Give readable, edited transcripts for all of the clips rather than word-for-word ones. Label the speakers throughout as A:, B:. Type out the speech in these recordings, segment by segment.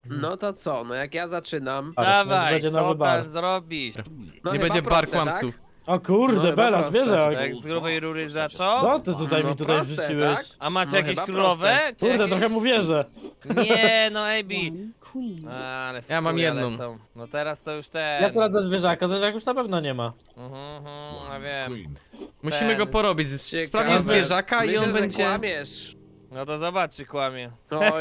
A: No to co? No jak ja zaczynam.
B: Dawaj,
C: będzie
B: co
C: nowy bar.
B: tam zrobisz?
A: No
D: Nie
A: chyba
D: będzie bar
A: proste,
D: kłamców.
A: Tak?
C: O kurde,
A: No chyba
C: Bela,
A: proste,
C: zwierzak.
B: Tak z grubej rury zaczął?
C: Co ty tutaj
A: No
C: mi tutaj
A: proste,
C: wrzuciłeś?
A: tak?
B: A macie
A: No
B: jakieś
A: chyba
B: królowe? Czy
C: Kurde,
B: jakieś?
C: trochę mu wierzę.
B: Nie, no AB.
E: One queen.
B: Ale
D: Ja mam
B: furia
D: jedną.
B: lecą. No teraz to już ten.
C: Ja sprawdzę zwierzaka, zwierzak już na pewno nie ma.
B: Ja wiem.
D: Musimy go porobić.
A: Ciekawe.
D: Sprawdzisz zwierzaka i
A: Myślę,
D: on
A: że
D: będzie...
A: kłamiesz.
B: No to zobacz, czy kłamie.
A: Oj. Oj,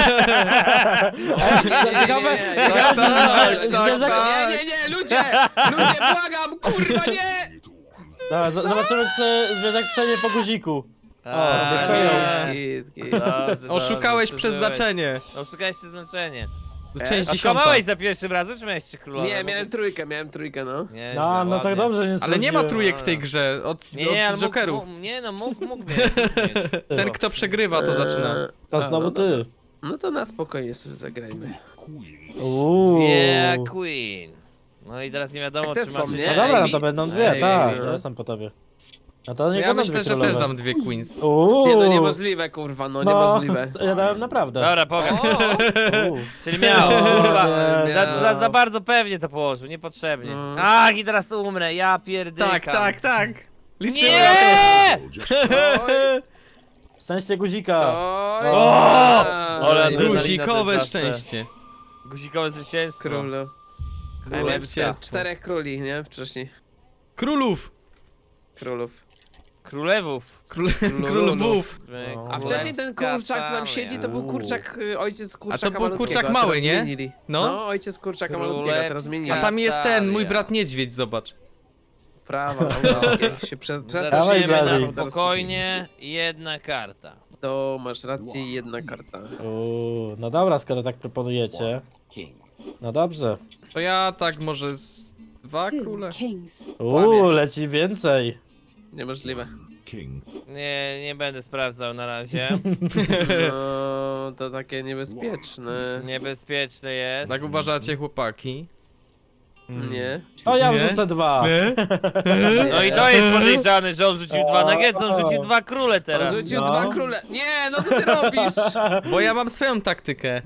A: nie,
C: Ciekawe,
D: Tak, tak,
C: zwierzak...
D: tak.
A: nie, ludzie, błagam, kurwa, nie!
C: Dobra, zobaczymy, czy zwierzak przejdzie po guziku.
B: A,
C: przejął.
A: Git.
B: Dobrze,
D: Oszukałeś
B: dobrze,
D: przeznaczenie.
B: Oszukałeś przeznaczenie.
D: Część
B: A
D: 10.
B: skłamałeś za pierwszym razem, czy miałeś 3 królowe?
A: Nie, miałem trójkę, no.
B: Nie,
C: No, no tak dobrze, nie
D: Ale nie ma
C: sprawdziłem.
D: trójek w tej grze od
B: Nie, ale
D: od jokerów.
B: mógł mieć.
D: Ten kto przegrywa to zaczyna.
C: To
A: A,
C: znowu
A: no
C: ty.
A: No to na spokojnie sobie zagrajmy.
B: Yeah, Queen. No i teraz nie wiadomo,
A: Jak to
B: czy
A: jest
B: macie...
A: po mnie?
C: No dobra, no
A: Ej,
C: to będą
A: ej,
C: dwie, tak,
A: ej,
C: ja
A: no.
C: jestem po tobie. No to nie
D: Ja
C: będą
D: myślę,
C: dwie
D: że
C: królowe.
D: też dam dwie queens.
C: Uuu.
A: Nie, no niemożliwe, kurwa, no niemożliwe.
C: Ja dałem naprawdę.
B: Dobra, pokaż.
C: Uuu.
B: Czyli miał, kurwa.
C: nie,
B: Za bardzo pewnie to położył, niepotrzebnie.
A: No.
B: Ach, i teraz umrę, ja pierdykam.
D: Tak. Liczymy na
B: Nie!
A: Oj,
C: Szczęście guzika.
A: oj.
B: O! Ale
D: to.
B: adrenalina
D: Guzikowe
B: to jest zawsze.
D: szczęście.
B: Guzikowe zwycięstwo.
A: Królu.
D: Królewskie.
A: Królewska. 4 króli, nie? Wcześniej.
D: Królów.
A: Królów.
B: Królewów.
D: Królów.
C: No.
A: A wcześniej ten kurczak, co tam siedzi, to był
C: Uuu.
A: kurczak, ojciec kurczaka
D: A to był
A: malutkiego,
D: kurczak
A: a
D: mały,
A: teraz
D: nie?
A: Zmienili.
D: No.
A: No, ojciec kurczaka malutkiego, teraz
B: Królewska.
A: zmienili.
D: A tam jest ten, mój
B: Natalia.
D: brat niedźwiedź, zobacz.
A: Prawa autorskie się przez
C: Dawaj,
B: Zaczniemy
C: Blady.
B: na spokojnie, jedna karta.
A: To masz rację, jedna karta.
C: Uuu, no dobra, skoro tak proponujecie. No dobrze.
D: To ja tak może z dwa
E: Two
D: króle.
E: kings.
C: Uuu, leci więcej.
A: Niemożliwe.
B: Nie będę sprawdzał na razie.
A: No, to takie niebezpieczne.
B: Niebezpieczne jest.
D: Tak uważacie, chłopaki?
A: Nie.
C: O, ja
D: Nie?
C: wrzucę dwa.
B: No i to jest podejrzane, że on rzucił dwa nuggetsy, on rzucił dwa króle
A: On
B: teraz.
A: rzucił
C: No.
A: 2 króle. Nie, no co ty robisz?
D: Bo ja mam swoją taktykę.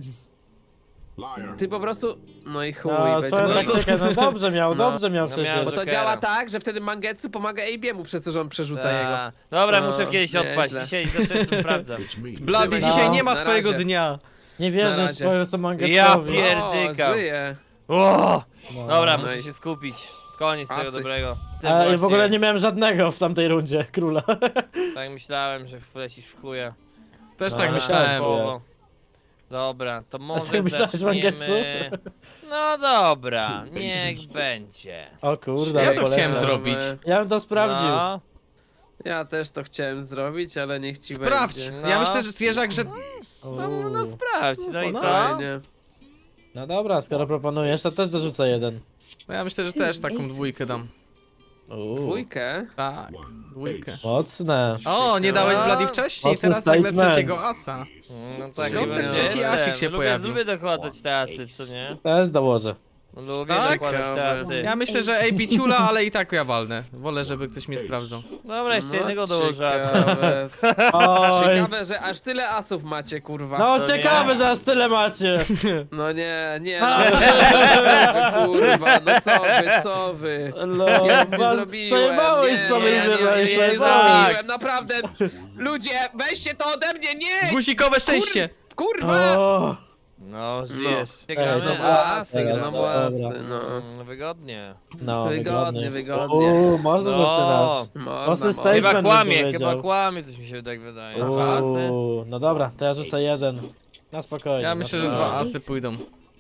A: Ty po prostu... No i chuj,
C: No,
A: będzie.
C: swoją
D: No co?
C: taktykę, no dobrze miał,
A: No.
C: dobrze miał
B: No
C: przecież.
B: miał,
A: Bo to
B: Jokera.
A: działa tak, że wtedy Mangetsu pomaga Abiemu przez to, że on przerzuca jego.
B: Ta. Dobra,
A: No,
B: muszę kiedyś odpaść,
A: nieźle.
B: dzisiaj za często sprawdzam.
D: Blady,
A: Trzymaj
D: dzisiaj
C: się.
D: nie ma
A: Na
D: twojego
A: razie.
D: dnia.
C: Nie
A: Na
C: wierzę
A: razie.
C: w swoją mangetsowi.
B: Ja
A: O,
B: pierdykam.
A: żyje.
B: O!
C: No.
B: Dobra,
A: No
B: muszę
A: i-
B: się skupić. Koniec tego
A: Asy.
B: dobrego. Ty
C: A ja w
B: właśnie,
C: ogóle nie miałem żadnego w tamtej rundzie, króla.
B: Tak myślałem, że wlecisz w chuja.
D: Też
C: No,
D: tak
C: ale
D: myślałem.
B: Połowo. Dobra, to
C: tak
B: może
C: myślałeś,
B: zaczniemy... No dobra, niech będzie.
C: O kurde,
D: Ja
C: ale
D: to
C: polecam.
D: chciałem zrobić.
C: Ja bym to sprawdził.
B: No,
A: Ja też to chciałem zrobić, ale niech ci
D: Sprawdź.
A: będzie.
D: Ja
B: No.
D: myślę, że zwierzak, że...
B: no sprawdź, no i co?
A: Fajnie.
C: No dobra, skoro proponujesz, to też dorzucę jeden.
D: No ja myślę, że też taką dwójkę dam.
C: Uuu,
A: Dwójkę?
D: Tak, dwójkę.
C: mocne.
D: O, nie dałeś
B: No.
D: Blady wcześniej,
C: Mocny
D: teraz nagle
C: statement.
D: trzeciego asa.
B: No tak,
D: Skąd
B: jakby
D: ten
B: nie
D: trzeci
B: jestem.
D: asik się
B: lubię,
D: pojawił?
B: Lubię dokładać te asy, co nie?
C: Też dołożę.
B: Lubię
D: Tak?
B: dokładać te asy.
D: Ja myślę, że AB ciula, ale i tak ja walnę. Wolę, żeby ktoś mnie sprawdzał.
B: Dobra, jeszcze
A: No,
B: jednego dołożę asa.
A: ciekawe.
C: Oj.
A: Ciekawe, że aż tyle asów macie, kurwa.
C: No
B: co
C: ciekawe,
B: nie?
C: że aż tyle macie.
A: No nie, no, co wy, kurwa, no co wy.
C: No,
A: Ja nic nie
C: was-
A: zrobiłem,
C: Przejebałeś sobie
A: nie,
C: zwierzę,
A: nic nie
C: przejebałeś.
A: zrobiłem, naprawdę. Ludzie, weźcie to ode mnie, nie!
D: Guzikowe szczęście!
A: Kurwa!
C: O,
B: No, żyjesz.
C: Ej,
B: Gramy?
A: Znowu
C: dobra,
A: asy,
C: dobra,
A: znowu
C: dobra.
A: asy, no.
B: Wygodnie.
C: no,
A: Wygodnie.
C: Uuu, można
B: No.
C: zaczynasz.
A: Można,
C: Mocny
A: można.
C: statement.
B: Chyba
C: bym
B: kłamie,
C: powiedział.
B: chyba kłamie, coś mi się tak wydaje. Dwa asy?
C: Uuu, no dobra, to ja rzucę jeden. Na spokojnie.
D: Ja
C: na
D: myślę, że
C: spokojnie.
D: dwa asy pójdą.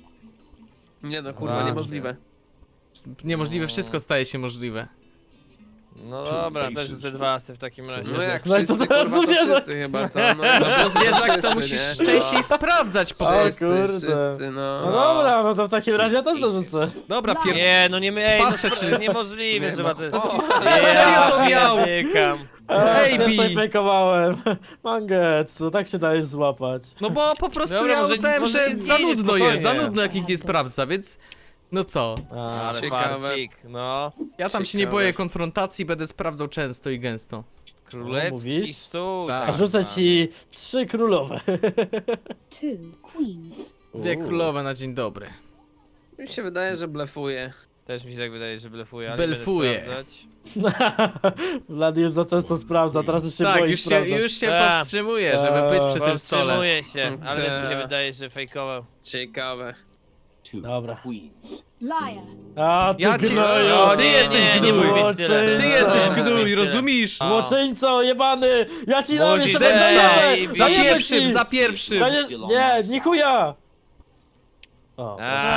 A: Nie no, kurwa,
B: Dwa.
A: niemożliwe.
D: Niemożliwe, wszystko staje się możliwe.
B: No dobra, też rzucę dwa asy w takim razie.
A: No jak
C: No i to
A: wszyscy,
C: zaraz
A: kurwa, to
C: zwierzę.
A: wszyscy chyba, co? No,
D: No bo zwierzak to
A: wszyscy,
D: musisz
A: nie?
D: częściej sprawdzać po
C: O,
D: prostu.
C: kurde.
A: Wszyscy, no.
C: No dobra, no to w takim razie ja też dorzucę.
D: Dobra,
B: Nie, no nie my,
D: Patrzę, czy-
B: niemożliwe,
A: Nie,
B: że
A: no,
B: ma te...
A: o,
D: serio to miał?
B: Pierdykam.
D: Ej,
C: Ja
D: Bi.
C: sobie fejkowałem. Mangetsu, tak się dajesz złapać.
D: No bo po prostu
B: Dobra,
D: ja
B: może-
D: uznałem,
B: może
D: że
B: nie
D: za
B: zmienię,
D: nudno jest, za
B: spokojnie.
D: nudno jak nikt nie sprawdza, więc... No co?
C: A,
B: Ale
A: Ciekawe.
B: farcik, no.
D: Ja tam się nie
A: Ciekawe.
D: boję konfrontacji, będę sprawdzał często i gęsto.
B: Królewski
C: mówisz?
B: stół.
D: Tak.
C: a rzucę ci 3 królowe.
E: Two queens.
D: Dwie królowe na dzień dobry.
A: Mi się wydaje, że blefuje.
B: Też mi się tak wydaje, że blefuje, ale
D: Belfuje.
B: nie będę sprawdzać.
C: Vlad już za często sprawdza, teraz już się
D: Tak,
C: boi
D: już
C: sprawdzać.
D: się powstrzymuje, żeby być przy tym stole.
B: Powstrzymuję się, ale też mi się
A: Eee.
B: wydaje, że fejkował.
A: Ciekawe.
C: Dobra.
E: Liar.
C: A, ty
D: Ja ci-
C: gnoju!
D: O, ty jesteś gnój.
C: Złoczyńco.
D: Ty jesteś
B: No,
D: gnój,
B: myślę.
D: rozumiesz?
C: Złoczyńco, jebany! Ja ci dam
B: Młodzi
C: jeszcze
B: zemsta!
C: będę!
D: Za
C: Zajebę
D: pierwszym,
C: ci!
D: za pierwszym!
C: Nie, nie chuja! O,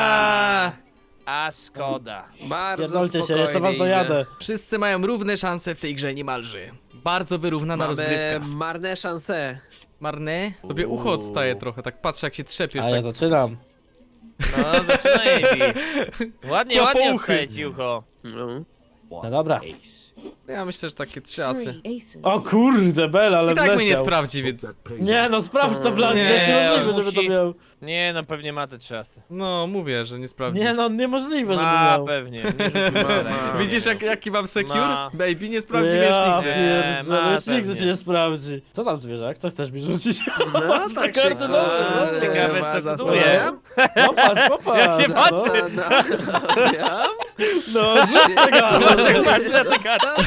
B: A szkoda.
A: Bardzo
C: pierdolcie się,
A: spokojnie
C: jeszcze was
A: idzie.
C: dojadę.
D: Wszyscy mają równe szanse w tej grze niemalże. Bardzo wyrównana
A: Mamy
D: rozgrywka.
A: marne szanse.
D: Marne? Tobie ucho odstaje trochę, tak patrzę jak się trzepiesz,
C: A ja
D: tak.
C: zaczynam.
B: No, zaczynaj, Ebi. Ładnie,
D: To
B: ładnie
D: pouchy.
B: odstaje ci ucho.
A: No.
C: No dobra.
D: Ja myślę, że takie 3 asy.
E: Three aces.
C: O kurde, Bel, ale
D: I tak mnie nie
C: wleciał.
D: sprawdzi, więc...
C: Nie no, sprawdź to, Vlad,
D: Nie,
C: to jest niemożliwe, żeby to
B: musi.
C: miał.
B: Nie, no pewnie ma te 3 asy.
D: No, mówię, że nie sprawdzi.
C: Nie no, niemożliwe, żeby
B: Ma
C: miał.
B: pewnie, nie rzucił
A: Ma.
D: Widzisz jaki mam secure?
B: Ma.
D: Baby, nie sprawdzi
C: Ja
D: wierzchnik.
C: pierdzielę,
B: ma
C: już nigdy
B: pewnie.
C: cię nie sprawdzi. Co tam zwierzak? Co chcesz mi rzucić?
A: No tak się
C: karty dobre,
B: Ciekawe, co
A: kurwa
B: kutuje.
A: zastanawiam.
C: Popatrz, popatrz.
B: Jak się patrzy.
A: Zastanawiam.
C: No, rzuć tego.
B: Patrz na te karty.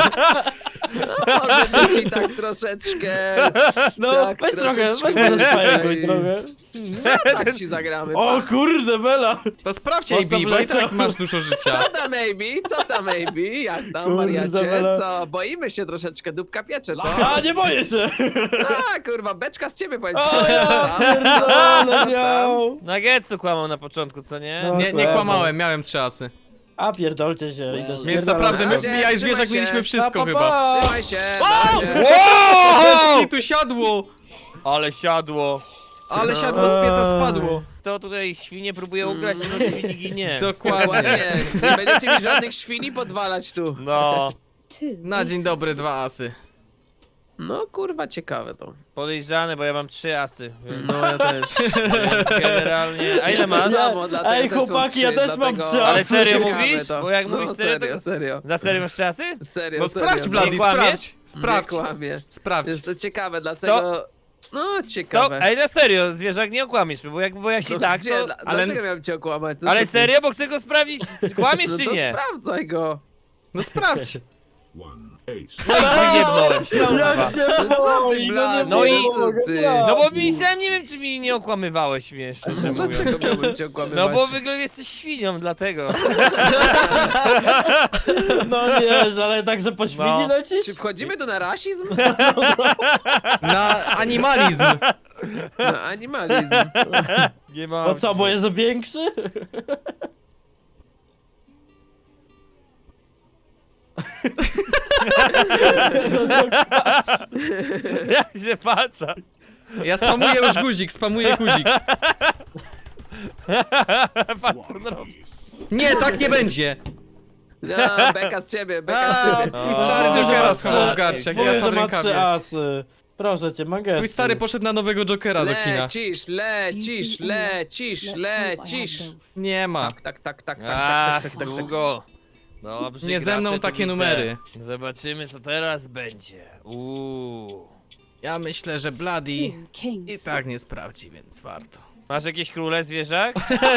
A: Może być i tak troszeczkę.
C: No,
A: tak,
C: weź trochę, weź
A: troszeczkę.
C: może spajekuj trochę.
A: No tak ci zagramy.
C: O kurde, Bela.
D: To sprawdź
C: Postaw
D: AB, bo i tak
C: lecą.
D: masz dużo życia.
A: Co tam, Maybe? Co tam, Maybe? Jak tam,
C: Kurde,
A: wariacie?
C: Bela.
A: Co? Boimy się troszeczkę, dupka piecze, co?
C: A, nie boję się.
A: A, kurwa, beczka z ciebie, powiem ci.
C: O, ja pierdolę miał.
B: Nagetsu kłamał na początku, co nie?
C: No.
D: Nie kłamałem, miałem 3 asy.
C: A, pierdolcie się. Idę
D: Więc
C: spierdalam.
D: naprawdę,
A: Razie,
D: ja i zwierzak
A: trzymaj się.
D: mieliśmy wszystko
C: Pa, pa,
D: chyba.
C: pa.
A: Trzymaj się,
D: O!
A: na razie.
D: Deski tu siadło!
B: Ale siadło.
D: Ale siadło z pieca spadło.
B: Kto tutaj świnie próbuje ugrać, to świni ginie.
D: Dokładnie.
A: Dokładnie. Nie będziecie mi żadnych świni podwalać tu.
B: No,
E: Two
D: Na dzień
E: aces.
D: dobry 2 asy.
A: No, kurwa, ciekawe to.
B: podejrzane, bo ja mam 3 asy. Więc,
A: No, ja też.
B: więc generalnie... A ile masz?
A: Ja- samo, dlatego
C: Ej,
A: też są
C: chłopaki, ja
A: 3,
C: też mam
A: dlatego-
C: 3
B: Ale
C: asy.
B: serio
A: Ciekawe
B: mówisz?
A: to.
B: Bo jak
A: No,
B: mówisz serio, to...
A: serio, serio.
B: Na serio masz 3 asy?
A: Serio,
D: No
A: serio.
D: sprawdź, Blady,
B: Nie kłamiesz?
D: sprawdź. Sprawdź.
A: Nie kłamie.
D: Sprawdź.
A: Jest to ciekawe, dlatego... No,
B: Stop,
A: ciekawe.
B: ej, na serio, zwierzak, nie okłamiesz mnie, bo jak
A: No,
B: tak,
A: gdzie?
B: to...
D: ale-
A: Dlaczego miałem cię okłamać? Co
B: Ale
A: ty-
B: serio, bo chcę go sprawdzić, czy kłamiesz
A: No
B: czy
A: to
B: nie?
A: sprawdzaj go.
D: No sprawdź.
B: Jebnąłem się,
C: Jak
B: kurwa.
C: się
A: Co ty,
C: boi,
A: Blady?
B: No i-
C: mogę,
A: ty?
C: Blady.
B: No bo myślałem, nie wiem czy mi nie okłamywałeś mnie, szczerze mówiąc.
A: Dlaczego miałbym cię okłamywać?
B: No bo wygląda jesteś świnią, dlatego.
C: No nie, ale także po świni
B: No.
C: lecisz?
A: Czy wchodzimy tu na rasizm?
D: Na animalizm.
A: Na animalizm.
B: Nie ma.
C: No co, bo jest większy?
B: Jak się patrzę.
D: Ja spamuję już guzik, spamuję guzik.
B: Patrz co on robi.
D: Nie, tak nie będzie.
A: No, beka z ciebie, beka z
D: A,
A: ciebie.
D: twój stary
C: O,
D: Jokera
C: że
D: schował
C: ma
D: w garściach,
C: Mówię,
D: ja
C: że
D: sam
C: ma 3
D: rękawie.
C: asy. Proszę cię, Mangetsu.
D: Twój stary poszedł na nowego Jokera do kina.
A: Lecisz, lecisz, lecisz,
E: Let's hope I have
A: lecisz.
E: both.
D: Nie ma.
A: Tak.
B: Ach, długo. Dobrze,
D: Nie ze mną
B: gracze, tu
D: takie
B: widzę.
D: numery.
B: Zobaczymy co teraz będzie.
D: Ja myślę, że Bloody
E: Two kings.
D: i tak nie sprawdzi, więc warto.
B: Masz jakieś króle zwierzak?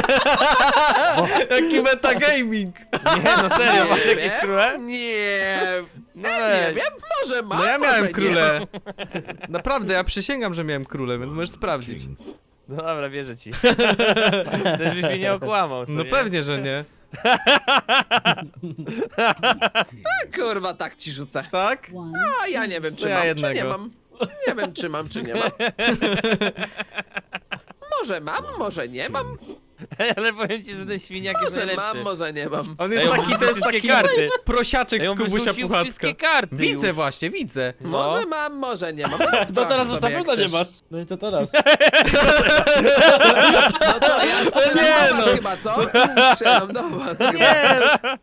D: Jaki metagaming!
B: Nie, no serio, masz
A: Nie
B: jakieś
A: wiem.
B: króle?
A: Nie,
B: No
A: nie
B: weź.
A: wiem, może mam,
D: No ja
A: może
D: miałem
A: nie.
D: króle. Naprawdę, ja przysięgam, że miałem króle, więc możesz sprawdzić.
B: No dobra, wierzę ci. Żebyś mnie nie okłamał, co
D: No
B: nie?
D: pewnie, że nie.
A: Kurwa, tak ci rzucę.
D: Tak?
E: One.
A: A ja nie wiem, czy
D: To ja
A: mam, czy
D: jednego.
A: nie mam. Nie wiem, czy mam, czy nie mam. Może mam, może nie mam.
B: Ale powiem ci, że ten świniak jest
A: Może
B: najlepszy.
A: mam, może nie mam.
D: On jest
B: Ej, on
D: taki, to
B: wyrzucił
D: jest taki
B: wszystkie karty.
D: prosiaczek
B: Ej,
D: z
B: on
D: Kubusia
B: wyrzucił
D: Puchatka.
B: wszystkie karty
D: Widzę
B: już.
D: właśnie, widzę.
B: No.
A: Może mam, może nie mam.
C: To teraz już na
A: sobie, jak
C: pewno nie
A: chcesz.
C: masz. No i to teraz.
A: No to ja strzelam
D: nie,
A: do was
D: no.
A: chyba, co? Strzelam do was chyba.
D: Nie,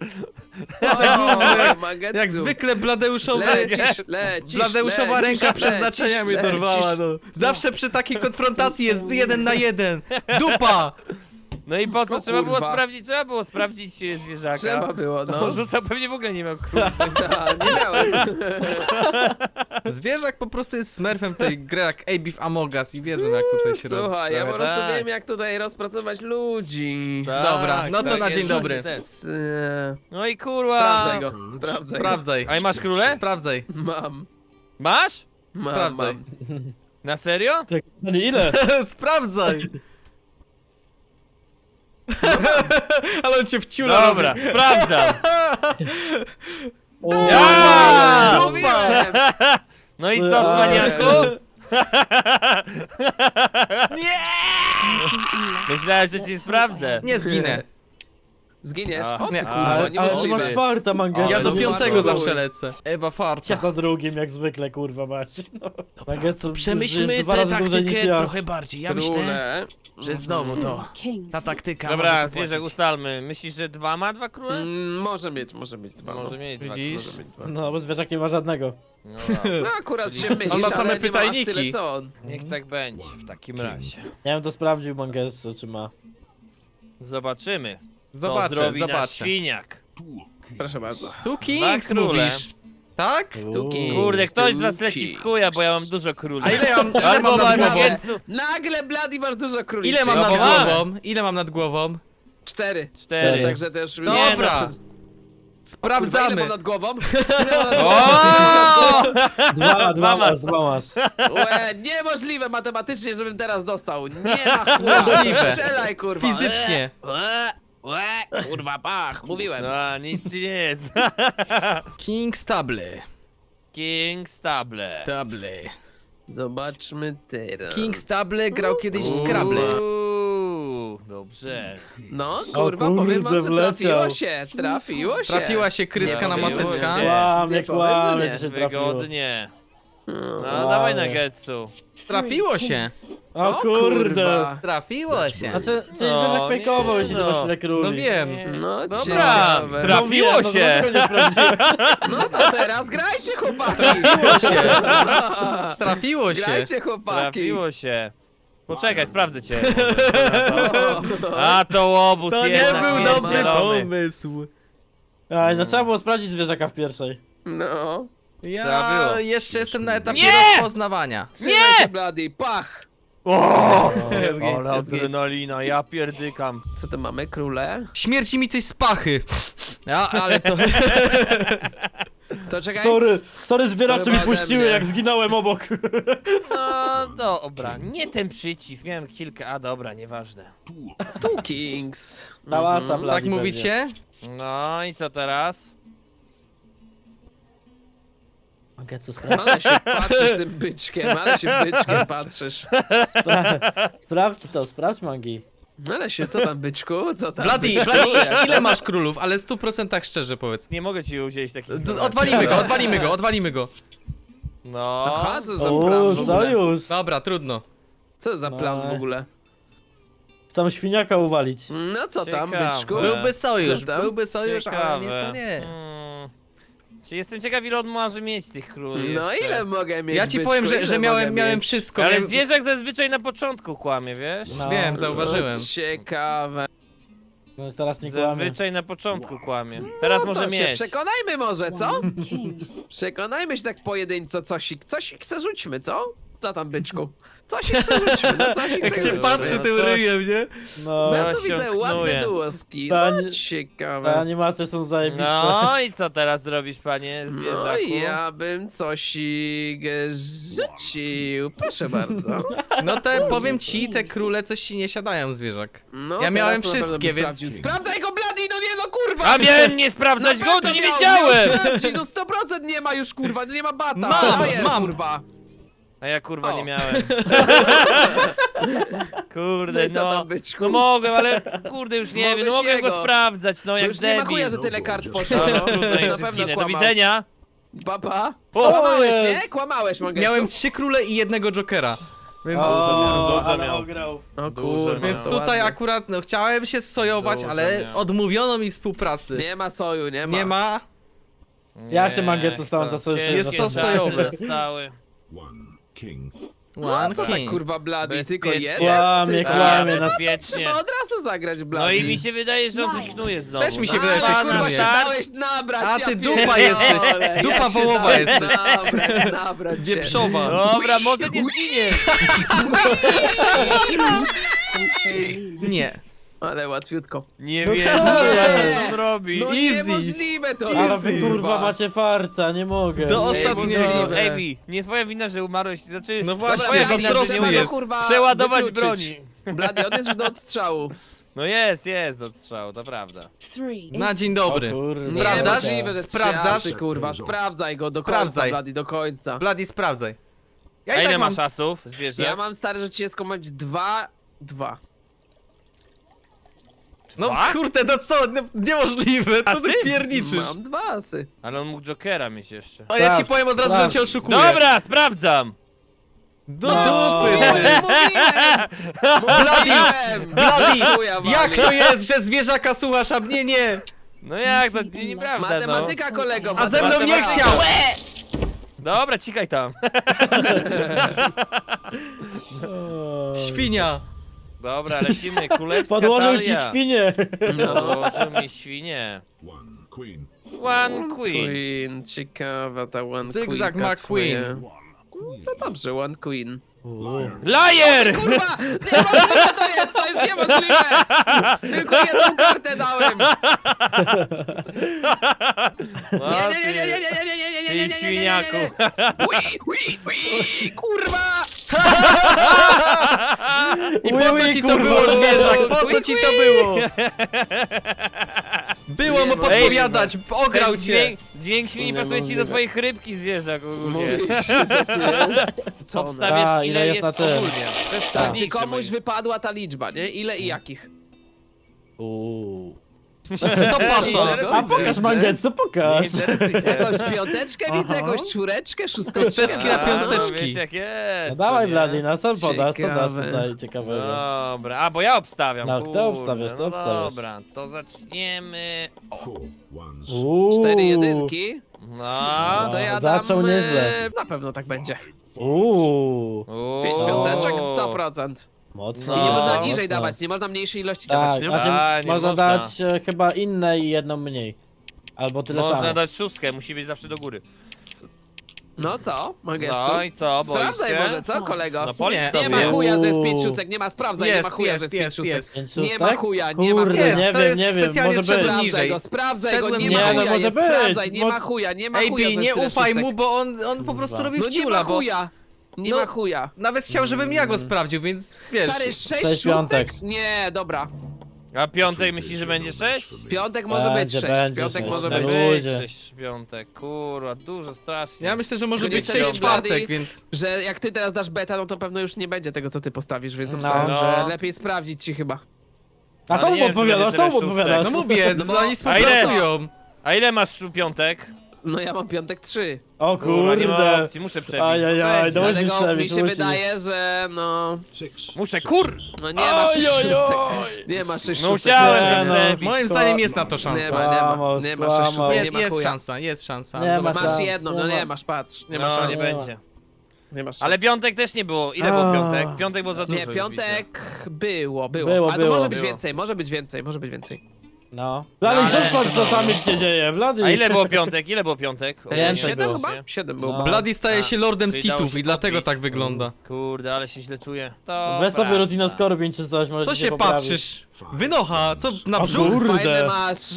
A: O, Mangetsu.
D: jak zwykle Bladeuszowy...
A: Lecisz,
D: Bladeuszowa
A: lecisz,
D: ręka przeznaczenia mnie
A: lecisz.
D: dorwała, no. Zawsze przy takiej konfrontacji jest 1 na 1. Dupa!
B: No i po co?
A: No
B: Trzeba było
A: kurwa.
B: sprawdzić zwierzaka.
A: Trzeba było, no.
B: No, rzucał pewnie w ogóle nie miał król.
A: Nie miałem.
D: Zwierzak po prostu jest smurfem tej gry jak Abe w Among Us i wiedzą jak tutaj się robi.
A: Słuchaj, ja po
B: Trochę
A: prostu
B: tak.
A: wiem jak tutaj rozpracować ludzi.
D: Dobra, no to na
B: jest
D: dzień dobry.
B: właśnie ten.
A: S-
B: No i kurwa.
A: Sprawdzaj go, sprawdzaj go.
D: Sprawdzaj.
B: A i masz króle?
D: Sprawdzaj.
A: Mam,
B: Masz?
D: Sprawdzaj.
A: mam.
B: Na serio?
C: Tak, no nie, ile?
D: Sprawdzaj! Ale on cię wciula
B: Dobra,
D: robi.
B: sprawdzam.
C: O,
B: Ja!
A: Mówiłem!
B: No i co, cwaniaku?
D: Nie!
B: Myślałem, że cię nie sprawdzę.
D: Nie zginę.
A: Zginiesz?
B: A,
A: O ty
D: nie,
A: kurwa,
C: ale ty
A: niemożliwe.
C: masz farta, Mangetsu.
D: Ja do
A: no
D: piątego
A: bardzo
D: zawsze
A: chuj.
D: lecę. Ewa farta.
C: Ja za drugim, jak zwykle, kurwa, macie. No. Mangetsu jest
D: Przemyślmy
C: dwa
D: tę
C: razy dłużej niż
D: taktykę
C: ja.
D: trochę bardziej. Ja myślę,
A: Króle.
D: że znowu to.
E: Kings.
D: Ta taktyka
B: Dobra,
D: może
B: zwierzak,
D: popłacić.
B: ustalmy. Myślisz, że ma dwa króle?
A: Może mieć dwa.
B: Może mieć dwa.
D: Widzisz?
A: Może mieć dwa.
C: No, bo zwierzak nie ma żadnego.
B: No, dobra.
A: No akurat się mylisz,
D: On ma same
A: ale nie ma aż
D: pytajniki.
A: tyle co on.
B: Niech tak będzie w takim razie.
C: Ja bym to sprawdził, Mangetsu, czy ma.
B: Zobaczymy. Co
D: Zobaczę,
B: zrobi nasz
D: zobaczę.
B: świniak.
A: Proszę bardzo.
D: Tu Kings
B: króle.
D: mówisz. Tak?
A: Tuki.
B: Kurde, ktoś z was
A: Tuki.
B: leci w chuja, bo ja mam dużo króli.
D: A ile mam
B: Albo
D: nad głową?
B: Mangetsu.
A: Nagle Blady masz dużo króliczy.
D: Ile mam
B: No
D: nad
B: bo mamy.
D: głową? Ile mam nad głową?
A: 4.
B: 4.
A: Także też...
B: Nie,
D: Dobra.
B: no,
A: Kurwa, ile
D: Sprawdzamy.
A: mam nad głową? Ile mam nad głową?
B: O!
C: Dwa
B: masz.
C: mas, dwa mas.
A: Łe, niemożliwe matematycznie, żebym teraz dostał. Nie ma chuja.
D: Możliwe.
A: Strzelaj, kurwa.
D: Fizycznie.
A: Kurwa, pach, mówiłem.
B: No, nic ci nie jest.
D: King Stable.
B: King Stable.
D: Stable.
A: Zobaczmy teraz.
D: King Stable grał kiedyś w Scrabble.
B: Dobrze.
A: No, kurwa,
C: kurde,
A: powiem wam, że
C: wleciał.
A: trafiło się, trafiło się.
D: Trafiła się kryska na
B: Trafiło
D: mateska.
B: się.
C: Kłamie,
A: Nie powiem,
C: kłamie,
A: że
C: że
A: nie.
C: się trafiło.
B: Wygodnie. No,
C: Wow.
B: dawaj na Getsu.
D: Trafiło się.
C: O kurde.
A: kurwa.
D: Trafiło się.
C: Znaczy, czyli
B: No,
C: zwierzak fejkował,
B: nie,
C: jeśli
B: no.
C: to masz tyle króli.
D: No wiem.
A: No,
B: Dobra,
A: ciekawe.
B: trafiło
C: No wiem,
B: się.
C: No, dlaczego nie sprawdziłem?
A: No to teraz grajcie, chłopaki.
D: Trafiło się. Trafiło się.
A: Grajcie, chłopaki.
B: Trafiło się. Poczekaj, sprawdzę cię.
A: O,
B: A to łobuz
D: To nie
B: jednak
D: był
B: jest
D: dobry
B: zielony.
D: pomysł.
C: Aj, no trzeba było sprawdzić zwierzaka w pierwszej.
A: No.
B: Trzeba
D: Ja
B: było.
D: jeszcze jestem na etapie
B: Nie!
D: rozpoznawania.
A: Trzymaj się, Blady, pach.
B: O,
A: Jest git,
B: ale
A: jest git.
B: adrenalina, ja pierdykam.
A: Co to mamy, króle?
D: Śmierci mi coś z pachy. Ja, ale to...
A: To czekaj.
C: Sorry, zwieracze
A: To
C: mi
A: chyba ode
C: puściły,
A: mnie.
C: jak zginąłem obok.
B: No dobra, nie ten przycisk, miałem kilka, a dobra, nieważne.
A: Two Kings.
C: Hałasa,
A: Mhm.
C: Blady
D: Tak
C: pewnie.
D: mówicie?
B: No i co teraz?
C: Mangetsu, sprawdź,
A: Ale się patrzysz tym byczkiem, ale się byczkiem patrzysz.
C: sprawdź Mangi.
A: Ale się, co tam byczku? Co tam
D: Blady,
A: byczku?
D: Blady,
A: Jak-
D: ile masz królów? Ale 100% szczerze powiedz.
B: Nie mogę ci udzielić takich
D: Odwalimy go.
B: No.
A: Aha, co za plan
C: O,
A: w ogóle?
C: sojusz.
D: Dobra, trudno.
A: Co za plan w ogóle?
C: Chcę świniaka uwalić.
A: No co tam,
B: Ciekawe.
A: byczku?
D: Byłby sojusz,
A: Co tam?
D: byłby sojusz, ale nie, to nie.
B: Czy jestem ciekaw, ile on może mieć tych króli
A: No
B: jeszcze.
A: ile mogę mieć,
D: Ja ci
A: byczku?
D: powiem, że
A: Ile
D: miałem
A: mogę mieć?
D: wszystko.
B: Ale
D: miałem...
B: zwierzak zazwyczaj na początku kłamie, wiesz?
C: No,
D: Wiem, zauważyłem.
A: Ciekawe.
C: No teraz nie kłamie.
B: Zazwyczaj na początku kłamie. Teraz
A: No
B: może
A: to się
B: mieć.
A: przekonajmy może, co?
E: King.
A: Przekonajmy się tak pojedynczo, cosik se rzućmy, co? Co tam, byczku? Cosik se rzućmy, no cosik
D: Jak
A: se
D: się
A: rzućmy.
D: patrzy
B: no
D: tym
B: coś.
D: ryjem, nie?
C: No,
A: Ja tu
B: się
A: widzę
B: knuje.
A: ładne duoski,
C: Ta
A: no
C: nie- te
A: ciekawe.
C: animacje są zajebiste.
B: No i co teraz zrobisz, panie zwierzaku?
A: No i ja bym cosik rzucił, proszę bardzo.
D: No powiem ci, te króle coś ci nie siadają, zwierzak.
A: No,
D: Ja
A: teraz
D: miałem
A: to na pewno
D: wszystkie,
A: bym
D: więc-
A: sprawdził. Sprawdzaj go, Blady, no nie no kurwa!
B: A miałem nie sprawdzać
A: Na
B: go, to
A: pewno
B: nie
A: miał
B: wiedziałem!
A: sprawdzić, no 100% nie ma już kurwa, nie ma bata.
D: Mam,
A: Frajer,
D: mam.
A: kurwa.
B: A ja kurwa
A: O.
B: nie miałem.
A: No
B: Kurde,
A: i co
B: no.
A: tam, byczku?
B: No mogłem, ale kurde już nie wiem, no
A: Mogłeś
B: mogłem go
A: jego.
B: sprawdzać, no
A: To
B: jak
A: już nie ma chuja,
B: debil.
A: że tyle kart poszło,
B: No,
A: no.
B: trudno,
A: Na
B: już
A: pewno
B: zginę. Do
A: kłamał.
B: widzenia.
A: Papa.
B: O,
A: Kłamałeś,
C: jest.
A: nie? Kłamałeś, mogę.
D: Miałem 3 króle i jednego jokera. Więc...
C: O,
B: Dużo
C: ale
B: miał.
C: ograł.
A: O
B: Dużo
A: kurwa,
D: Więc
A: to
D: tutaj
A: ładnie.
D: akurat, no chciałem się sojować,
B: Dużo
D: ale
B: miał.
D: odmówiono mi współpracy.
A: Nie ma soju, nie ma.
D: Nie ma.
C: Ja się Mangetsu stałem za sojusz.
D: Jest sos sojowy.
B: Stały.
F: One king.
D: One
A: Co tak
D: king.
A: kurwa blady, tylko
B: Bezpiecznie.
A: jeden?
C: Kłamie,
A: Tylko
C: kłamie,
A: jeden?
C: no.
B: Bezpiecznie.
A: Trzeba od razu zagrać blady.
B: No i mi się wydaje, że on coś knuje znowu.
D: Też mi się
B: No,
D: wydaje, że
B: na
D: coś
B: start,
A: kurwa
D: knuje.
A: się
B: na start.
A: dałeś nabrać,
D: A
A: ja
D: ty
A: pierdolę.
D: dupa jesteś.
A: Jak
D: Dupa
A: się
D: wołowa
A: dałeś
D: jesteś.
A: Nabrać się.
D: Wieprzowa.
B: Dobra, może nie zginie.
D: Nie.
A: Ale łatwiutko.
B: Nie
C: No
B: wiem,
C: tak.
B: co on robi.
A: No
D: Easy.
A: niemożliwe to
C: Ale
A: jest,
C: wy kurwa macie farta, nie mogę.
D: Do
B: Ej,
D: ostatniego.
B: może- Ej, nie twoja wina, że umarłeś. Znaczy,
D: No właśnie,
B: twoja wina, że
D: zazdrosny
B: nie
A: trzeba go,
B: możesz
D: jest.
A: kurwa,
B: przeładować
A: wykluczyć.
B: broni.
A: Blady, on jest już do odstrzału.
B: No jest odstrzał, to prawda.
D: Na dzień dobry.
C: O kurde.
D: Sprawdzasz?
A: Niemożliwe, że
D: Sprawdzasz?
A: trzy asy, kurwa, sprawdzaj go do
D: Sprawdzaj.
A: końca, Blady, do końca.
D: Bloody, sprawdzaj. Ja
B: A
D: i
B: ile
D: tak mam...
B: masz asów, zwierzę?
A: Ja mam stary, że cię skomać 2.
D: No
B: Dwa?
D: kurde, no co? No, niemożliwe, co ty
B: Asy?
D: pierniczysz?
A: Mam 2 asy.
B: Ale on mógł Jokera mieć jeszcze.
D: O, ja ci
C: Sprawdź,
D: powiem od razu, że
C: sprawdź.
D: cię oszukuję.
B: Dobra, sprawdzam!
D: Do
C: No.
D: dupy,
A: Mówiłem! Mówiłem!
D: Bloody,
A: Chuja wali.
D: jak to jest, że zwierzaka słuchasz, a mnie nie?
B: No jak, to nieprawda, no.
A: Matematyka, kolego,
D: A ze mną nie
A: matematyka.
D: chciał!
B: Dobra, cikaj tam.
D: Świnia.
B: Dobra, lecimy, kulewska
C: Podłożył ci
B: talia.
C: świnię.
B: Podłożył mi świnie.
E: One queen.
B: One queen.
A: Queen, ciekawa ta one
D: Zygzak
A: queenka
D: McQueen.
A: twoja. No dobrze, one queen.
B: Liar!
A: Kurwa! Niemożliwe to jest niemożliwe! Tylko jedną kartę dałem!
B: No,
A: Nie, nie, nie, nie, nie, nie, nie, nie, nie, nie, nie, nie,
B: Ty
A: nie, nie,
B: świniaku.
A: Ui, kurwa!
D: I po co ci to było, zwierzak? Po co ci to było? Było mu podpowiadać, ograł
B: Ten
D: cię.
B: dźwięk świni
A: Nie
B: pasuje ci do
A: możliwe.
B: twoich rybki, zwierzak ogólnie.
A: Mówisz, że pasuje? Co one?
B: Obstawiasz,
C: A,
B: ile jest
C: na tym.
B: ogólnie. To jest
A: Tak, czy
B: tajemnicze
A: komuś
B: moje.
A: wypadła ta liczba, nie? Ile i jakich?
D: Co pasza?
C: A pokaż mangetsu,
B: Nie
C: pokaż.
B: interesuj się.
A: Jakąś piąteczkę widzę,
C: Aha.
A: jakąś czwóreczkę, szósteczkę.
D: Kosteczki na
B: A,
D: piąsteczki.
B: no wiesz jak
C: No
B: jest.
C: dawaj
B: nie?
C: Blady, na co podasz, co dasz
A: Ciekawe.
C: tutaj ciekawego?
B: Dobra, a bo ja obstawiam.
C: No,
B: kurde.
C: kto obstawiasz, to
B: No
C: obstawiasz.
B: dobra, to zaczniemy.
E: Four ones.
A: 4 jedynki.
B: No,
A: To ja
C: zaczął
A: dam,
C: nieźle.
A: na pewno tak będzie.
C: Uuu,
A: 5
B: Uuu.
A: piąteczek, 100%.
C: mocno.
A: I nie można
B: No,
A: niżej
C: mocno.
A: dawać, nie można mniejszej ilości dawać,
C: Tak,
A: nie?
C: znaczy
B: A, nie
C: można
B: można.
C: dać chyba inne i jedną mniej. Albo tyle
B: Można
C: samo.
B: dać szóstkę, musi być zawsze do góry.
A: No co, Magetsu?
B: No i co, boisz
A: Sprawdzaj
B: się?
A: może, co kolego?
B: No policz
D: Nie,
A: Nie
B: sobie.
A: ma chuja, że jest 5
C: Uuu.
A: szóstek, nie ma, sprawdzaj, nie ma chuja, że jest 5 szóstek.
C: Pięć
A: Nie ma
C: szóstek?
A: chuja, nie ma
C: Kurde,
A: chuja.
D: Jest,
C: nie
D: to
C: wiem,
D: jest
C: nie wiem,
D: specjalnie
C: może
D: szedł
C: być.
D: niżej.
A: Sprawdzaj go,
D: Szedłem
A: nie
C: niżej.
A: ma
C: Nie, no
A: chuja,
C: może
A: jest,
C: być,
A: sprawdzaj, nie
C: bo-
A: ma chuja, nie ma
D: AB,
A: chuja, że
D: nie
A: jest tyle
D: ufaj
A: szóstek.
D: mu, bo on po prostu robi
A: No nie
D: wciula,
A: ma
D: bo
A: chuja, nie
D: No,
A: ma chuja.
D: nawet chciał, żebym ja go sprawdził, więc wiesz.
A: Stary, 6
C: Sześć
A: szóstek?
C: piątek.
A: Nie, dobra.
B: A piątek myślisz, że będzie 6?
A: Piątek może być
C: Będzie,
A: 6,
C: będzie
A: piątek
C: sześć.
A: może
C: Na
A: być.
C: luzie.
B: 6 piątek, kurwa, dużo, strasznie.
D: Ja myślę, że może
A: Tylko
D: być
A: niestety
D: 6 czwartek,
A: Blady-
D: więc...
A: Że jak ty teraz dasz beta, no to pewno już nie będzie tego, co ty postawisz, więc
C: No.
A: obstawiam,
B: No.
A: że lepiej sprawdzić ci chyba.
C: A
B: Ale
C: to
B: nie
C: mu
B: wiem, czy
C: odpowiadasz,
B: będzie
C: to mu
B: tyle szóstek.
C: odpowiadasz.
D: No mówię,
A: No bo-
D: oni
B: A
D: współpracują.
B: A ile masz piątek?
A: No ja mam piątek 3.
C: O
B: Kurwa, nie ma
C: kurde.
B: opcji, muszę przebić.
C: Ajajaj,
B: Będzie.
C: no musisz
A: Dlatego
C: przebić,
A: mi się
C: musisz.
A: wydaje, że no...
E: Six.
B: Muszę, kur!
A: No nie ma 6
C: Oj, oj,
A: szóstek.
C: oj.
A: Nie ma 6
B: No
A: szóstek.
B: chciałem
C: Nie,
B: tak
C: no.
B: przebić.
D: Moim zdaniem jest na to
A: Nie
D: szansa.
A: ma, nie ma.
C: Skłamał,
A: Nie ma 6
C: skłamał.
A: szóstek, nie ma
D: Jest
A: chuja.
D: szansa, jest szansa.
C: Nie ma
D: Zobacz.
A: Masz
C: szans,
A: jedną,
C: nie
A: no
C: ma.
A: nie masz, patrz. Nie ma
B: No,
A: szans.
B: nie będzie.
A: Nie masz
B: Ale
A: szans.
B: piątek też nie było. Ile było
C: A.
B: piątek? Piątek było za dużo.
A: Nie,
B: już
A: piątek było.
C: Było,
A: Ale to może być
B: było.
A: więcej, może być więcej, może być więcej.
C: No. Blady,
B: ale-
C: co sami się dzieje, Blady.
B: widzę. A ile było piątek? Ile było piątek?
C: Więcej
A: 7
C: było.
A: chyba? 7 było.
C: No.
D: Bloody staje się lordem
B: Czyli dało
D: sithów
B: się
D: i dlatego
B: kupić.
D: tak wygląda.
B: Kurde, ale się źle czuję.
C: Weź sobie Rutino Scorbin czy coś, może
D: Co
C: ci
D: się
C: poprawi.
D: patrzysz? Wynocha, co na
C: O
D: brzuch?
C: kurde.
A: Fajny masz...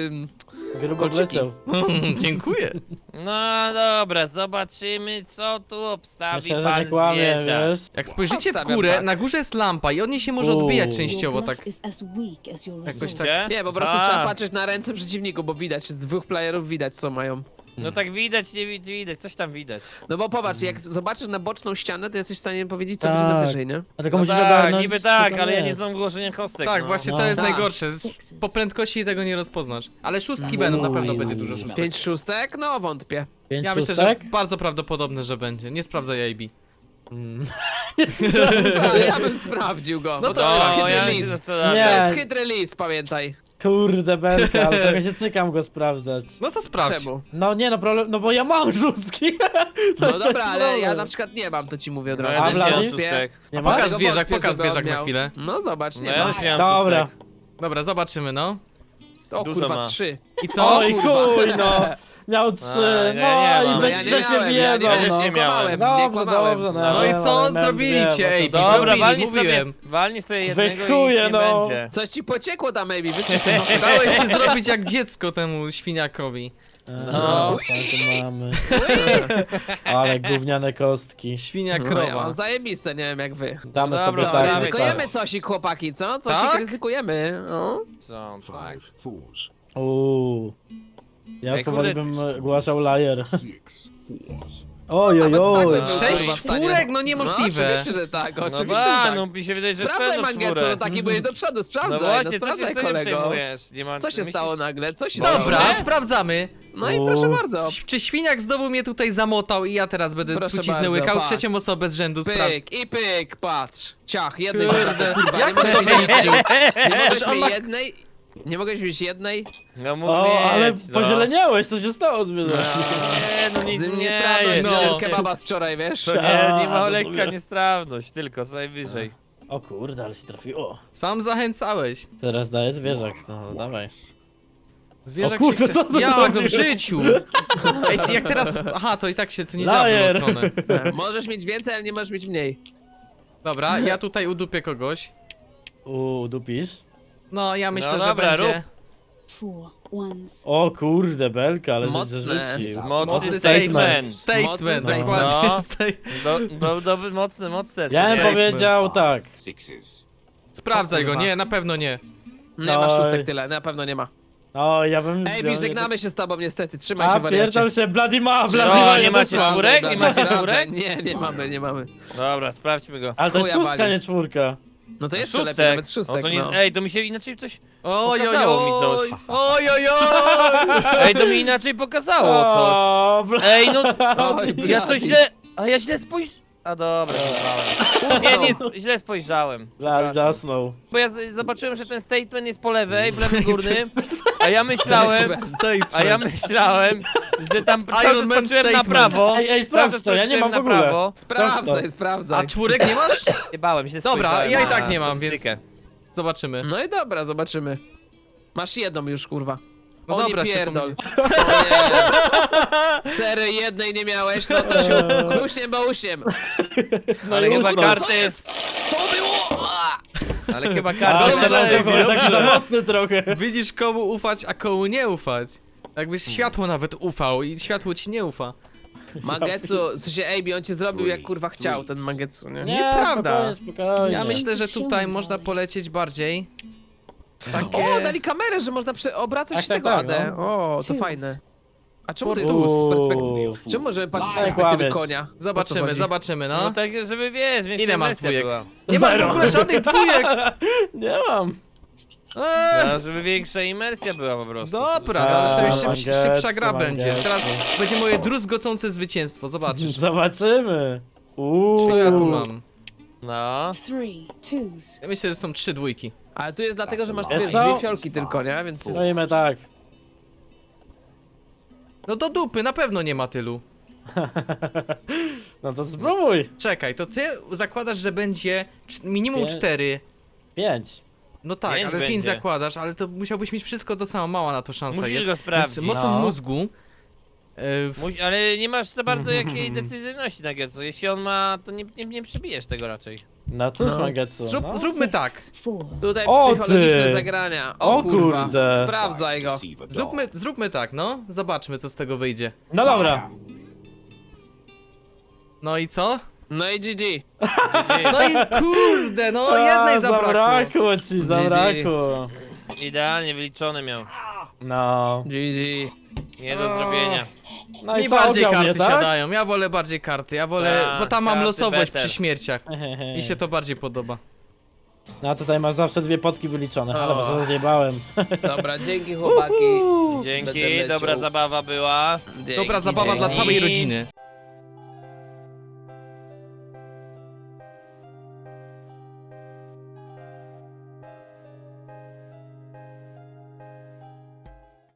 C: Grubo
A: kolczyki.
C: wleciał.
D: Dziękuję.
B: No dobra, zobaczymy co tu obstawi
C: Myślę, że nie
B: pan
C: kłamie,
B: zwierzak.
C: wiesz.
D: Jak spojrzycie w
A: Obstawiam
D: górę,
A: tak.
D: na górze jest lampa i od niej się może odbijać
C: Uuu.
D: częściowo, tak.
E: Jakoś
B: Gdzie?
A: Nie, po prostu
B: A,
A: trzeba patrzeć na ręce przeciwników, bo widać, z dwóch playerów widać co mają.
B: No tak widać, nie widać, coś tam widać.
A: No bo popatrz, jak zobaczysz na boczną ścianę, to jesteś w stanie powiedzieć, co
C: Tak.
A: będzie na wyżej, nie?
C: A tylko
B: No
C: musisz
B: tak,
C: ogarnąć.
B: niby
C: co
B: tak,
C: tam
B: ale ja nie
C: jest.
B: znam ułożenia kostek.
D: Tak,
B: no.
D: właśnie
C: No.
D: to jest
A: Tak.
D: najgorsze. Po prędkości tego nie rozpoznasz. Ale szóstki będą, na pewno będzie dużo szóstek.
A: 5 szóstek? No wątpię.
C: 5
D: Ja myślę, że
C: szóstek?
D: bardzo prawdopodobne, że będzie. Nie sprawdzaj AB.
A: Ja bym sprawdził go.
D: No
A: bo
D: to
A: to jest
B: No,
A: hit
B: ja się
A: release.
B: zastanawiam.
C: Nie.
A: To jest hit release, pamiętaj.
C: Kurde belka, ale trochę się cykam go sprawdzać.
D: No to sprawdź.
A: Czemu?
C: No nie no problem, no bo ja mam szóstki.
A: No
C: jest
A: dobra, ale ja
C: problem.
A: na przykład nie mam, to ci mówię od
B: No
A: razu.
B: ja
C: A
B: też nie mam
C: Vladi?
B: szóstek.
C: Nie
D: Pokaż
C: masz?
A: Dlatego
D: zwierzak,
A: wątpię,
D: pokaż
A: żeby on
D: zwierzak na
A: miał.
D: chwilę.
A: No zobacz,
B: No
A: nie
B: ja
A: ma.
B: też nie mam
C: Dobra.
B: szóstek.
D: Dobra, zobaczymy, no.
A: O
B: Dużo
A: kurwa,
B: ma.
A: 3.
D: I co?
C: Oj chuj no. Miał 3,
B: A, ja nie
C: no
B: mam.
C: i
B: No
C: weź
A: ja nie
C: że się
A: miałem, ja nie
C: wjebał,
A: miałem,
C: no.
B: nie miałem.
A: nie
C: Dobrze,
A: kłamałem.
C: dobrze,
D: No i
C: wiem,
D: co
C: ale miałem
D: zrobili
C: dwie,
D: cię,
C: bo to
D: ej,
C: dobrze.
B: Dobra,
D: Zrobili,
B: walnij sobie,
D: mówiłem.
B: walnij sobie jednego
C: Wychuję,
B: i nic nie
C: no.
B: będzie.
A: Coś ci pociekło tam, maybe, wyczyść no.
D: Dałeś się zrobić jak dziecko temu świniakowi.
C: No, co tu mamy? Ale gówniane kostki.
D: Świnia
A: No, ja
D: krowa.
A: mam zajebiste, nie wiem jak wy.
C: Damy
B: Dobra,
C: sobie
A: Co,
B: Dawaj,
C: tak.
B: dawaj,
A: ryzykujemy cosik, chłopaki, co? Cosik
D: Tak?
A: ryzykujemy, no.
B: Co? Tak.
E: 5 fours.
C: Ja
B: Ej,
C: powoli
B: kurde.
C: bym głaszał lajer.
E: 6 fours.
C: Oj, oj,
A: Tak
C: oj.
A: bym był,
D: 6
A: kurwa, w stanie.
D: czwórek? No
A: No
D: niemożliwe.
A: oczywiście, że tak,
B: No
A: oczywiście, że
B: ba,
A: tak.
B: no mi się wydaje, że
A: Sprawdzaj,
B: spędzą
A: Mangetsu,
B: czwórę.
A: no taki byłeś do przodu,
B: No
A: sprawdzaj, no,
B: właśnie, co się
A: sprawdzaj,
B: tym
A: kolego.
B: przejmujesz? Nie ma,
A: Co się
B: myślisz-
A: stało nagle? Co się stało?
D: Dobra,
B: Nie?
D: sprawdzamy.
A: No i
C: O.
A: proszę bardzo.
D: Czy świniak znowu mnie tutaj zamotał i ja teraz będę
A: Proszę
D: truciznę
A: bardzo,
D: łykał
A: patrz.
D: trzecią osobę z rzędu spraw.
A: Pyk i pyk, patrz. Ciach, jednej
D: Kurde,
A: zabrakło, kurwa,
D: jak
A: nie
D: on to
A: mogłeś mieć-
D: wyliczył?
A: Nie mogłeś
D: on
A: mieć
D: ma-
A: jednej? Nie mogłeś mieć jednej?
B: No mógł
C: O, ale
B: mieć, no.
C: pozieleniałeś, co się stało z zwierzęciem?
B: Nie, no nic
A: Z
B: nie
A: niestrawność
B: jest.
D: no.
A: kebaba z wczoraj, wiesz?
B: To nie ma
C: A,
B: lekka
C: rozumiem.
B: niestrawność, tylko co najwyżej.
C: O kurde, ale się trafiło.
D: Sam zachęcałeś.
C: Teraz daję zwierzak, no dawaj.
D: Zwierzak
C: O kurde,
D: się
C: co to
D: Jak no w
C: zrobił?
D: życiu? Ej, czy jak teraz... Aha, to i tak się to nie działa w
C: Lajer.
D: drugą stronę.
A: Możesz mieć więcej, ale nie możesz mieć mniej.
D: Dobra, ja tutaj udupię kogoś.
C: Dupisz?
D: No, ja myślę,
B: No
D: że
B: dobra,
D: będzie...
E: 4 ones.
C: O kurde, belka, ale
A: Mocne.
C: że rzucił.
B: Mocny
C: statement.
B: statement.
A: Mocny
D: Statement,
A: statement.
D: dokładnie.
B: No. Mocne.
C: Ja bym
D: Statement.
C: powiedział tak.
D: Sprawdzaj
A: O
D: go,
A: kurwa.
D: nie, na pewno nie.
A: Nie ma
C: Oj.
A: szóstek tyle, na pewno nie ma.
C: O, ja bym...
A: Ej, Bi, żegnamy się z tobą niestety, trzymaj się
C: A,
A: wariacie.
C: pierdol się, Bloody ma, Bloody
B: Co,
C: ma,
B: nie
C: jest
B: macie
C: zesłany.
B: czwórek? Nie macie
A: Sprawdzaj.
B: czwórek?
A: Nie mamy.
B: Dobra, sprawdźmy go.
C: Ale to jest
A: Chuja
C: szóstka,
A: wali.
C: nie czwórka.
A: No to jeszcze lepiej,
B: Szóstek.
A: nawet szóstek,
B: to nie,
A: no.
B: Ej, to mi się inaczej coś...
D: Oj, oj,
B: Pokazało mi
D: oj,
B: coś.
D: oj, oj, oj.
B: Ej, to mi inaczej pokazało coś.
C: O,
B: Ej, no...
A: Oj,
B: Ja coś
A: blady.
B: źle... A ja źle spojrzałem. A dobra, źle spojrzałem.
C: Bloody zasnął.
B: Bo ja zobaczyłem, że ten statement jest po lewej, w lewym górnym, a ja myślałem, że tam cały czas
D: Iron Man
B: patrzyłem na
D: statement.
B: prawo.
C: Ej,
B: Cały
C: sprawdź
B: czas
C: to, ja nie
B: patrzyłem
C: mam w
B: na
C: ogóle.
B: prawo.
A: Sprawdzaj,
D: A
A: sprawdzaj.
D: czwórek nie masz?
B: Nie bałem się,
D: Dobra,
B: spojrzałem
D: ja i
B: na
D: tak nie mam, więc-
B: statystykę.
D: Zobaczymy.
A: No i dobra, zobaczymy. Masz jedną już, kurwa.
D: No
A: O
D: dobra,
A: nie
D: się
A: pierdol. O nie. Sery jednej nie miałeś, no to się usiem, bo usiem.
B: Ale chyba
C: usnął.
B: karty jest...
A: To było! A!
B: Ale chyba
C: A,
B: karty
D: Dobrze,
C: teraz
D: Ej,
C: to tak
D: dobrze.
C: za mocny trochę.
D: Widzisz komu ufać, a komu nie ufać. Jakbyś światło nawet ufał i światło ci nie ufa.
A: Mangetsu, w sensie Ejbi, on cię zrobił jak kurwa chciał, ten Mangetsu, nie?
D: Nieprawda.
C: Spokojnie.
D: Ja myślę, że tutaj można polecieć bardziej. Takie...
A: O, dali kamerę, że można obracać
C: Tak,
A: się
C: tak,
A: tego
C: tak,
A: AD. O, to fajne. A czemu to jest z perspektywy? Czemu możemy patrzeć z
C: Tak,
A: perspektywy
C: kłamiesz.
A: konia? O co
D: Zobaczymy,
A: chodzi?
D: zobaczymy,
B: No
D: no.
B: tak, żeby wiesz, większa
D: Ile masz
B: imersja
D: dwójek?
B: była.
D: Nie masz w
C: Zero.
D: ogóle żadnych dwójek!
C: Nie mam.
B: No, żeby większa imersja była po prostu.
D: Dobra, ale to już
C: Mangetsu,
D: szybsza gra będzie.
C: Mangetsu.
D: Teraz będzie moje druzgocące zwycięstwo, zobaczysz.
C: Zobaczymy.
D: Co ja tu mam?
B: No.
E: 3 twos.
D: Ja myślę, że są 3 dwójki.
A: Ale tu jest dlatego, że masz
C: Wiesz
A: dwie
C: co?
A: fiolki tylko, nie? Więc jest...
C: Stoimy tak.
D: No do dupy, na pewno nie ma tylu.
C: No to spróbuj.
D: Czekaj, to ty zakładasz, że będzie minimum
C: Pię-
D: 4.
C: 5.
D: No tak,
B: Pięć
D: ale 5
B: będzie.
D: zakładasz, ale to musiałbyś mieć wszystko to samo, mała na to szansa
B: Musisz
D: jest.
B: go sprawdzić.
D: Więc mocą
C: No.
D: mózgu.
B: Ale nie masz za bardzo jakiej decyzyjności na Getsu. Jeśli on ma, to nie przebijesz tego raczej.
C: No cóż,
A: No.
C: Mangetsu. No.
D: Zróbmy tak.
E: Fours.
A: Tutaj
C: O,
A: psychologiczne
C: ty.
A: zagrania. O,
C: O
A: kurwa.
C: kurde.
A: Sprawdzaj go.
D: Zróbmy tak, no. Zobaczmy, co z tego wyjdzie.
C: No dobra.
D: No i co?
A: No i GG.
D: No i kurde, no jednej zabrakło.
C: Zabrakło ci, zabrakło.
B: Idealnie wyliczone miał.
C: No.
A: GG.
B: Nie do zrobienia.
C: No
D: Mi
C: i co,
D: bardziej
C: ograł mnie,
D: karty
C: tak?
D: siadają, ja wolę bardziej karty, ja wolę,
B: Tak,
D: bo tam mam
B: karty
D: losowość
B: better.
D: przy śmierciach. Mi się to bardziej podoba.
C: No a tutaj masz zawsze 2 potki wyliczone, ale
A: O.
C: bo zjebałem.
A: Dobra, dzięki chłopaki. Będę
B: Dzięki,
A: leciał.
B: dobra zabawa była.
A: Dzięki,
D: Dobra zabawa dla
A: dzięki.
D: całej rodziny.